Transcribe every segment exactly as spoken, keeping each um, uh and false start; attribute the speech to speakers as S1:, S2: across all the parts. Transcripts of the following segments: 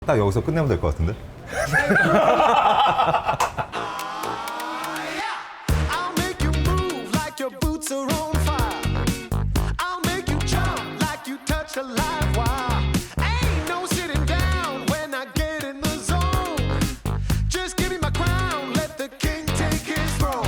S1: 딱 여기서 끝내면 될 것 같은데?
S2: I'll make you move like your boots are on fire. I'll make you jump like you touch a live wire. Ain't no sitting down when I get in the zone. Just give me my crown, let the king take his throne.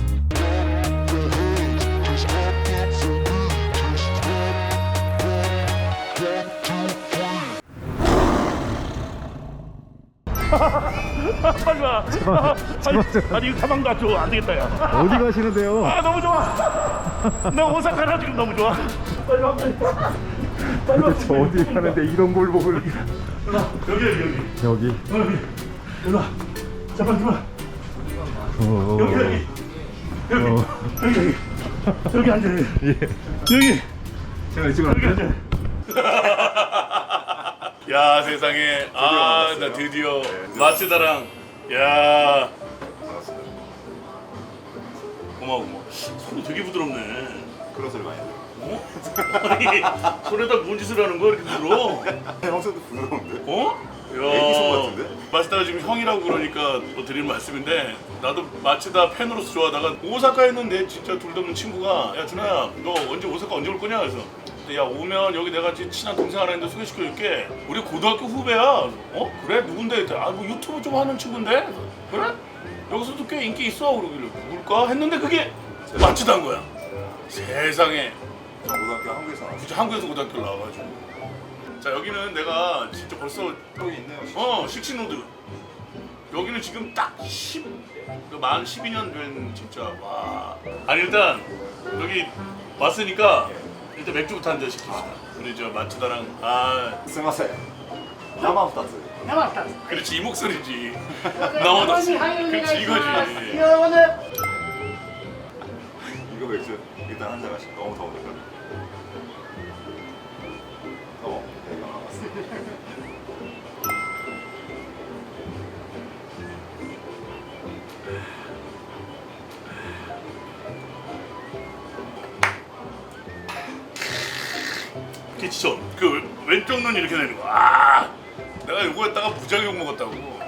S3: 빨리 와. 아니, 아니 이거 가방도 안 줘. 안 되겠다 야.
S1: 어디 가시는데요?
S3: 아 너무 좋아. 나 오사카라 지금 너무 좋아. 빨리 와. 빨리 와. 빨리 와.
S1: 저 어디 가는데 이런 골목을
S3: 여기 여기 여기.
S1: 여기
S3: 어, 여기. 일로 와. 잠깐 들어와.
S1: 어,
S3: 여기 여기. 여기
S1: 어.
S3: 여기 여기. 여기 앉아. 여기.
S1: 예.
S3: 여기.
S1: 제가 지금
S3: 여기 앉아. 야 세상에. 아 나 드디어 마츠다랑. 야. 고마워 고마워. 손이 되게 부드럽네.
S4: 그런 소리 많이 들어요.
S3: 어? 아니 손에다 뭔 짓을 하는 거야 이렇게 부드러워?
S4: 형 손도 부드러운데?
S3: 어? 야,
S4: 애기 손 같은데?
S3: 마츠다가 지금 형이라고 그러니까 뭐 드리는 말씀인데 나도 마츠다 팬으로서 좋아하다가 오사카에 있는데 진짜 둘 다 없는 친구가 야 준아야 너 언제 오사카 언제 올 거냐 그래서 야 오면 여기 내가 지금 친한 동생 하나 있는데 소개시켜줄게 우리 고등학교 후배야. 어? 그래? 누군데? 아뭐 유튜브 좀 하는 친구인데? 그래? 여기서도 꽤 인기 있어 그러길래 누굴까? 했는데 그게 마츠다인 거야. 세상에.
S4: 저 고등학교 한국에서 나왔어요.
S3: 진짜 한국에서 고등학교 나와가지고 자 여기는 내가 진짜 벌써
S4: 여기 있네요.
S3: 어 식신로드 여기는 지금 딱 십, 만 십이 년 된 진짜 와 아니 일단 여기 왔으니까 일단 맥주부터 한 잔 시킵시다. 우리 저 마츠다랑 아
S4: すみません。生二つ。
S3: 그렇지 이 목소리지 나오다 그렇지 이거지
S4: 이거 맥주 일단 한 잔 마시고 너무 더우니까. 어, 내가 나왔어.
S3: 그치죠 그 왼쪽 눈 이렇게 되는 거야. 아 내가 요거에다가 무지하게 욕 먹었다고.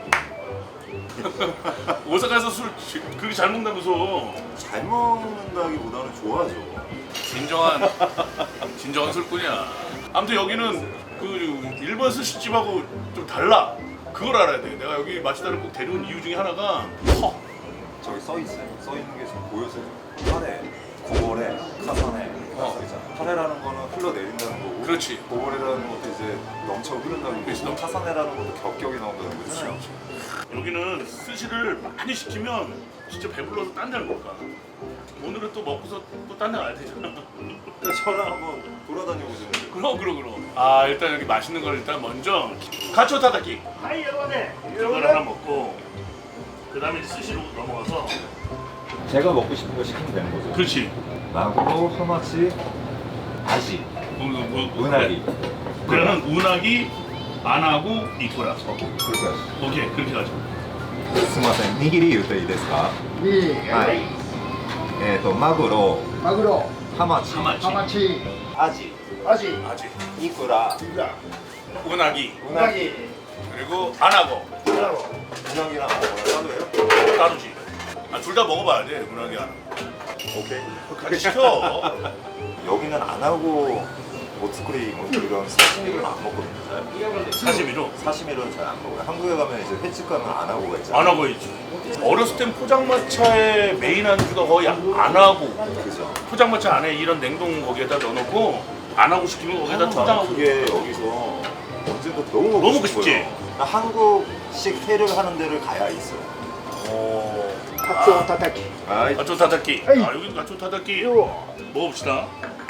S3: 오사카에서 술 지- 그렇게 잘 먹는다면서.
S4: 잘 먹는다기보다는 좋아하죠.
S3: 진정한 진정한 술꾼이야. 아무튼 여기는 그 일본 스시집하고 좀 달라. 그걸 알아야 돼. 내가 여기 마츠다를 꼭 데려온 이유 중에 하나가 커.
S4: 저기 써 있어요. 써 있는 게 지금 보여서요. 카레, 고거래, 카사네.
S3: 어.
S4: 써 있잖아. 카레라는 거는 흘러내린다는 거고.
S3: 그렇지.
S4: 고거래라는 것도 이제 넘쳐 흐른다는
S3: 그렇지,
S4: 거고.
S3: 넘쳐.
S4: 카사네라는 것도 겹겹이 나온다는 거잖아요.
S3: 여기는 스시를 많이 시키면 진짜 배불러서 딴 데를 못 가. 오늘은 또 먹고서 또 딴 데 가야 되잖아.
S4: 그러니까 저랑 한번 돌아다녀 보시면 돼요.
S3: 그럼 그럼 그럼. 아 일단 여기 맛있는 걸 일단 먼저 가초 타다키. 하이 여러분네. 이걸 하나 먹고 그 다음에 이제 스시로 넘어가서.
S4: 제가 먹고 싶은 거 시키면 되는 거죠.
S3: 그렇지.
S4: 마구로, 하마치, 아시,
S3: 뭐, 뭐, 뭐,
S4: 은하기.
S3: 그러면 운하기 안 하고 이코라.
S4: 그렇게 하시죠.
S3: 오케이 그렇게 가자.
S4: すみません、握り言っていいですか？
S5: いい
S4: はい。えっ、とマグロ、
S5: マグロ、
S4: ハマチ、
S3: 하마치,
S5: ハマチ、
S4: アジ、
S5: アジ、
S3: 아지,
S4: イクラ、
S3: 운하기
S4: ウナギ、
S3: 그리고 안 하고
S4: ウナギ랑 뭐라도 해요?
S3: 따르지. 아, 둘 다 먹어봐야 돼 운하기 안 하고.
S4: 오케이.
S3: 같이 시켜.
S4: 여기는 안 하고 모츠쿠리 뭐 이런 사시미를 안 먹거든요. 잘.
S3: 사시미로
S4: 사시미를 잘 안 먹어요. 한국에 가면 이제 횟집 가면 안 하고가 있잖아요.
S3: 안 하고 있지. 어렸을 땐 포장마차의 메인 안주가 거의 안 하고
S4: 그죠.
S3: 포장마차 안에 이런 냉동 거기에다 넣어놓고 안 하고 시키면 거기에다
S4: 나는
S3: 포장하고.
S4: 그게 여기서 언젠가 너무 먹고
S3: 너무 먹고
S4: 싶어요.
S3: 싶지?
S4: 나 한국식 회를 하는 데를 가야 있어요.
S3: 어.
S5: カツオたたき。
S4: 아,
S3: 가초 타다키.
S5: 에이.
S3: 아 여기 가초 타다키.
S5: よ
S3: 먹어봅시다.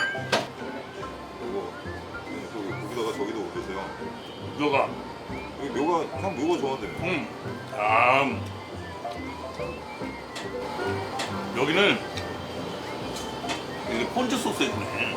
S4: 이거 저기 거기다가 저기도 올리세요.
S3: 묘가.
S4: 여기 묘가 형 묘가 좋아한다며.
S3: 음. 아. 여기는 이게 폰즈 소스 해주네.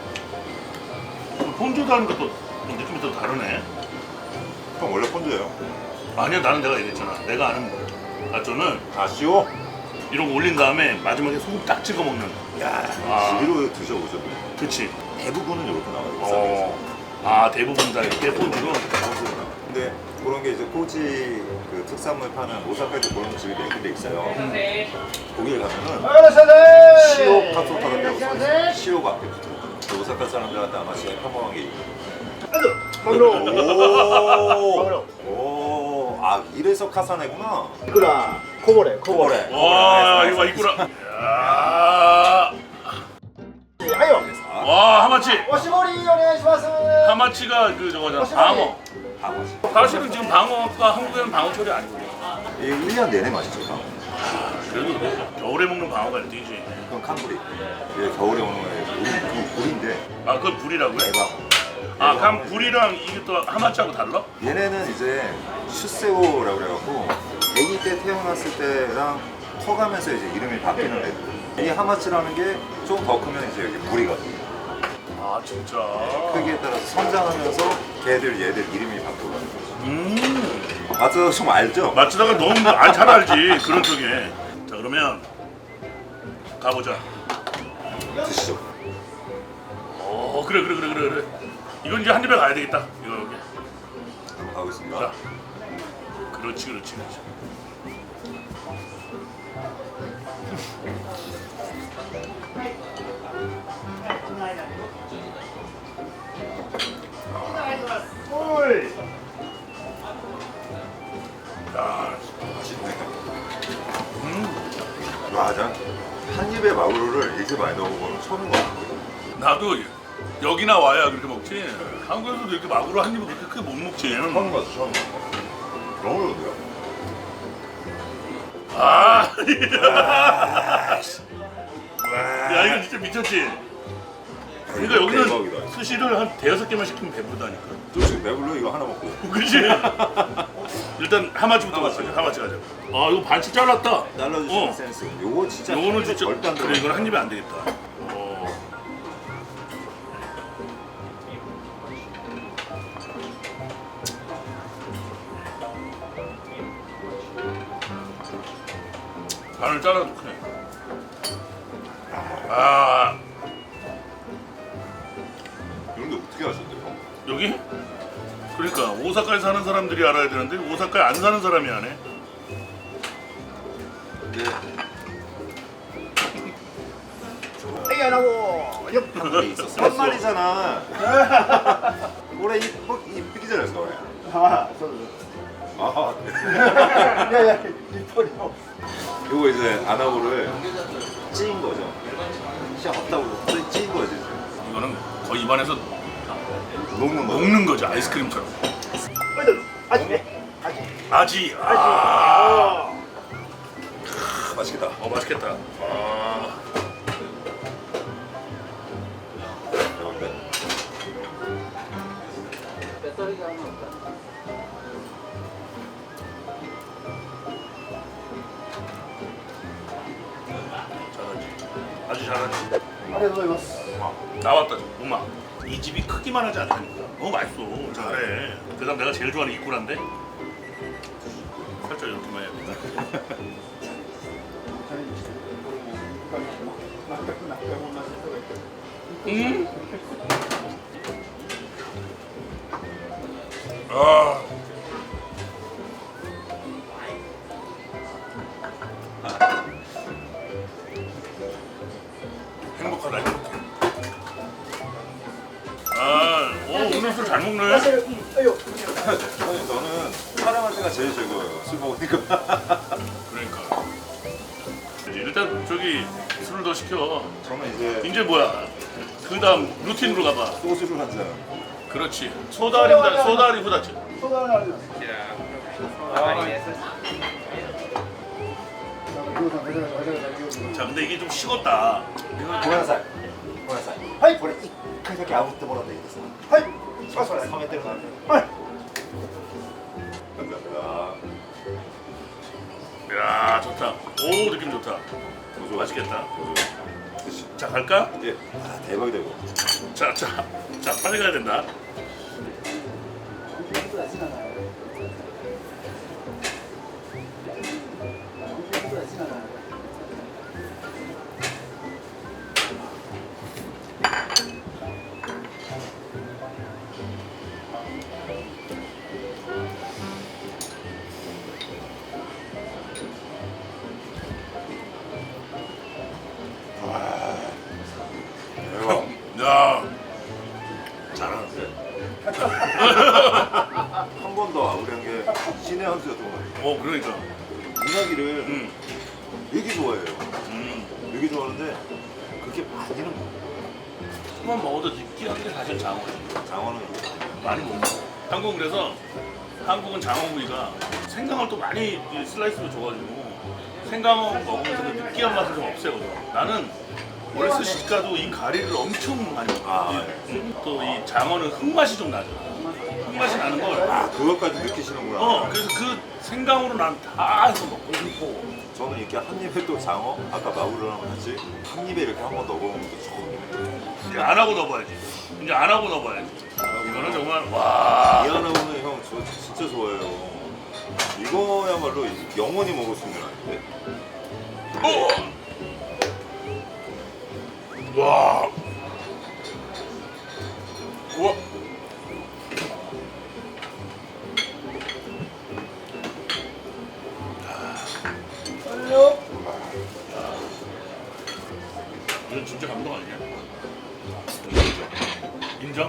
S3: 폰즈도 하니까 또 느낌이 또 다르네.
S4: 형 원래 폰즈예요?
S3: 아니야 나는 내가 얘기했잖아. 내가 아는 가초는
S4: 아쉬워?
S3: 이런 거 올린 다음에 마지막에 소금 딱 찍어 먹는.
S4: 야,
S3: 아.
S4: 지리로 드셔보셔도
S3: 그치.
S4: 대부분은 이렇게 나와요.
S3: 어. 아 대부분 다 이렇게 폰즈로.
S4: 근데 그런 게 이제 꼬지 그 특산물 파는 오사카에도 그런 집이 몇 군데 있어요. 거기에 가면은 시오 카토파가 되고 시오가 앞에 붙어. 그 오사카 사람들한테 아마 제일 평범한 게 오, 오, 아 이래서 카사네구나.
S5: いくらこぼれこぼれ
S4: 코보레.
S3: 와 이거 이꾸라. 야.
S5: はいよ
S3: 와 하마치.
S5: おしぼりお願いします
S3: 하마치가 그 저거잖아. 방어.
S4: 방어지.
S3: 사실은 지금 방어가 한국에는 방어철이 아니거든요.
S4: 이 일 년 내내 맛있죠. 방어.
S3: 그래도 겨울에 먹는 방어가 일 등이지.
S4: 그건 칸불이. 이게 겨울에 오는 거예요. 우리 그 불인데
S3: 아 그건 불이라고요?
S4: 대박.
S3: 아 그럼 불이랑 이게 또 하마치하고 달라?
S4: 얘네는 이제 슈세오라고 그래갖고 아기 때 태어났을 때랑 커가면서 이제 이름이 바뀌는 애들. 이 하마치라는 게 좀 더 크면 이제 여기 불이거든요.
S3: 아 진짜.
S4: 크기에 따라서 성장하면서 걔들 얘들 이름이 바뀌어가는 거죠.
S3: 음.
S4: 맞아, 좀 알죠?
S3: 마츠다가 너무 아, 잘 알지 그런 쪽에. 자 그러면 가보자.
S4: 드시죠.
S3: 어 그래 그래 그래 그래 그래. 이건 이제 한 입에 가야 되겠다. 이거 여기.
S4: 한번 가보겠습니다.
S3: 자. 그렇지 그렇지 그렇지. 야,
S4: 맛있네.
S3: 음.
S4: 맞아. 한 입에 마구로를 이렇게 많이 넣어본 건 처음인 것 같아요.
S3: 나도 여기나 와야 그렇게 먹지. 한국에서도 이렇게 마구로 한 입을 그렇게 크게 못 먹지.
S4: 처음 봤어, 처음 봤어. 너무 좋은데요?
S3: 아, 야 이거 진짜 미쳤지. 그러니까 여기는
S4: 대박이다.
S3: 스시를 한 대여섯 개만 시키면 배부르다니까.
S4: 또 지금 배불러 이거 하나 먹고.
S3: 그렇지. 일단 하마치부터
S4: 하마치.
S3: 가자. 하마치 가자. 아 이거 반씩 잘랐다.
S4: 잘라주시는
S3: 어.
S4: 센스. 요거 진짜
S3: 요거는
S4: 한 입에
S3: 진짜
S4: 절대 안
S3: 그래
S4: 들어가요.
S3: 이건 한 입에 안 되겠다. 어. 반을 잘라도 크네. 아
S4: 이런 게 어떻게 하셨대요?
S3: 여기? 그러니까 오사카에 사는 사람들이 알아야 되는데 오사카에 안 사는 사람이 안 해.
S4: 이게
S5: はいあのよっ
S4: 한국에 있었어. 한 마리잖아. 올해 이, 어, 이 삐기 잘했어, 올해.
S5: ああそうです
S4: 아,
S5: いやいや一人の
S4: 요거 이제 아나고를 찌인 거죠. 시작 없다고 찌인 거지.
S3: 이거는 거의 입안에서
S4: 녹는 거.
S3: 먹는 거죠 아이스크림처럼.
S5: はいどうぞアジねアジ
S3: 아지. 아,
S5: あ
S4: 맛있겠다.
S3: 어 맛있겠다. 아,
S4: 대박인데?
S3: 잘하지. 아주 잘하지.
S5: ありがとうございます
S3: 나왔다 좀. 엄마. 이 집이 크기만 하지 않다니까. 너무 맛있어. 잘해. 그다음 내가 제일 좋아하는 이꾸라인데. 살짝 이렇게만 해야 돼. 음. 아. 행복하다 행복해. 아, 오 오늘 술 잘 먹네.
S5: はいよ
S4: 아니, 저는 촬영할 때가 제일 즐거워요. 술 먹으니까.
S3: 그러니까. 일단 저기 술을 더 시켜.
S4: 저는 이제
S3: 이제 뭐야? 그 다음 루틴으로 가봐.
S4: 소주를 한 잔.
S3: 그렇지. 소다리 후다, 소다리 후다치.
S5: 相談あります餃子めちゃめちゃめちゃめちゃ餃子
S3: 자, 근데 이게 좀 식었다.
S4: 고양사이. 고양사이.
S5: はい
S4: これ一回だけ炙ってもらっていいですか?
S5: はいしますそれ
S4: 冷めてるので。
S5: はい
S4: 감사합니다.
S3: 야, 좋다. 오, 느낌 좋다.
S4: 도저.
S3: 맛있겠다.
S4: 도저. 드시.
S3: 자, 갈까?
S4: 예. 아, 대박이다 이거.
S3: 자, 자, 자, 빨리 가야 된다.
S4: 와우리한 게 신의 한 수였던 것 같아요.
S3: 어 그러니까.
S4: 우나기를
S3: 음.
S4: 되게 좋아해요.
S3: 음.
S4: 되게 좋아하는데 그렇게 많이는 못
S3: 한번 먹어도 느끼한 게 사실 장어지.
S4: 먹어요. 장어는
S3: 많이 못 먹어. 한국은 그래서 한국은 장어구이가 생강을 또 많이 이 슬라이스로 줘가지고 생강어 먹으면서 그 느끼한 맛이 좀 없애거든. 나는 원래 스시가도 이 가리를 엄청 많이 먹어.
S4: 아,
S3: 또 이 장어는 흙맛이 좀 나죠. 흙맛이 나는 걸.
S4: 아 그것까지 느끼시는구나.
S3: 어 그래서 그 생강으로 난 다 해서 먹고 싶고.
S4: 저는 이렇게 한 입에 또 장어 아까 마구로랑 같이 한 입에 이렇게 한 번 넣어보는 것도 처음이에요.
S3: 이제 안 하고 넣어봐야지. 이제 안 하고 넣어봐야지. 이거는 정말 와.
S4: 미안하고는 형 저 진짜 좋아해요. 이거야말로 영원히 먹을 수 있는 아닌데.
S3: 어. 와. 우와.
S5: 빨리요.
S3: 이건 진짜 감동 아니냐? 인정?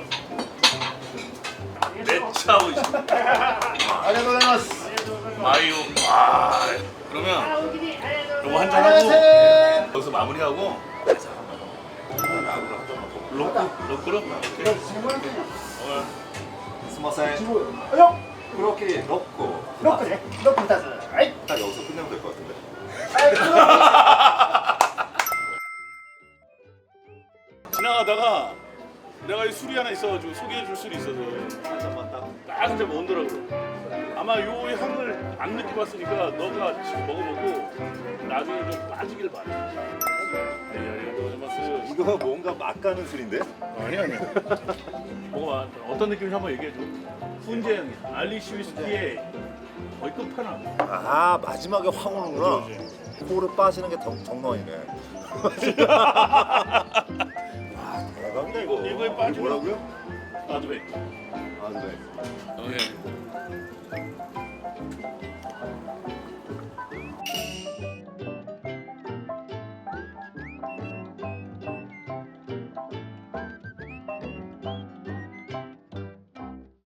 S3: 내 차고 있어.
S5: 안녕하세요.
S3: 마요. 와. 그러면 요거 한잔 하고
S5: 안녕하세요.
S3: 여기서 마무리하고
S4: 마구로 하던 거.
S3: 로크 로크로. 오케이. 어.
S4: 스마사이
S5: 요.
S4: 그렇게 넣고
S5: 로크네. 로크 다스. 아이.
S4: 딱 여기서 끝내면 될 것 같은데.
S3: 지나가다가 내가 이 술이 하나 있어가지고 소개해줄 술이 있어서
S4: 한 잔만 딱.
S3: 딱 한 잔 먹더라고. 아마 요 향을 안 느껴봤으니까 너가 지금 먹어보고 나중에 좀 빠지길 바래. 네, 아리가또 고자이마스.
S4: 이거 뭔가 막 가는 술인데?
S3: 아니 아니. 먹어봐. 어떤 느낌인지 한번 얘기해줘. 훈제 알리시 위스키의 거의 끝판왕.
S4: 아 마지막에 확 오는구나.
S3: 그지,
S4: 코를 빠지는 게 정- 정말이네. 아 대박이다 이거.
S3: 이거에 빠지면-
S4: 뭐라고요?
S3: 나도 왜?